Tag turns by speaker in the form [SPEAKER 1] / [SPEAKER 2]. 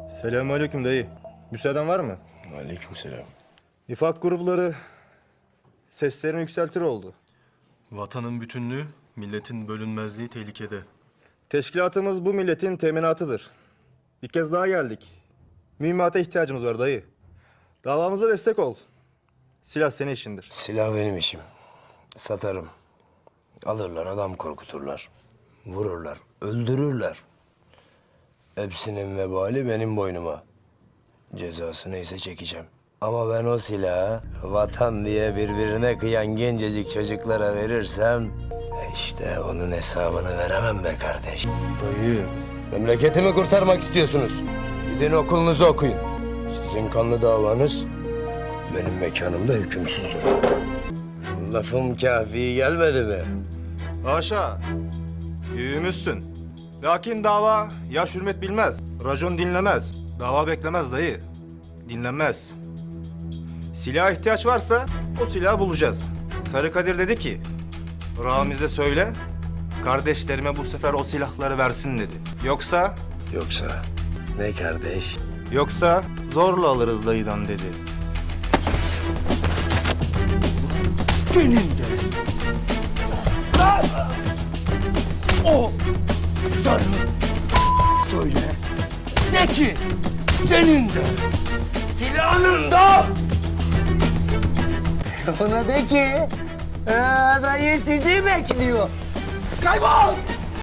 [SPEAKER 1] Selamünaleyküm dayı. Müsaaden var mı?
[SPEAKER 2] Aleykümselam.
[SPEAKER 1] Nifak grupları seslerini yükseltir oldu.
[SPEAKER 3] Vatanın bütünlüğü, milletin bölünmezliği tehlikede.
[SPEAKER 1] Teşkilatımız bu milletin teminatıdır. Bir kez daha geldik. Mühimmata ihtiyacımız var dayı. Davamıza destek ol. Silah senin işindir.
[SPEAKER 2] Silah benim işim. Satarım. Alırlar, adam korkuturlar. Vururlar, öldürürler. Hepsinin vebali benim boynuma. Cezası neyse çekeceğim. Ama ben o silahı vatan diye birbirine kıyan gencecik çocuklara verirsem... işte onun hesabını veremem be kardeş.
[SPEAKER 1] Dayı.
[SPEAKER 2] Memleketimi kurtarmak istiyorsunuz. Gidin okulunuzu okuyun. Sizin kanlı davanız benim mekanımda hükümsüzdür. Lafım kafi gelmedi mi?
[SPEAKER 1] Haşa. Büyüğümüzsün. Lakin dava yaş hürmet bilmez. Racon dinlemez. Dava beklemez dayı. Dinlenmez. Silaha ihtiyaç varsa o silahı bulacağız. Sarı Kadir dedi ki, Ramiz'e söyle, kardeşlerime bu sefer o silahları versin dedi. Yoksa
[SPEAKER 2] Yoksa ne kardeş?
[SPEAKER 1] zorla alırız dayıdan dedi.
[SPEAKER 4] Senin de. O sarı söyle. De ki senin de. Silahının da.
[SPEAKER 5] Ona de ki dayı sizi bekliyor.
[SPEAKER 4] Kaybol!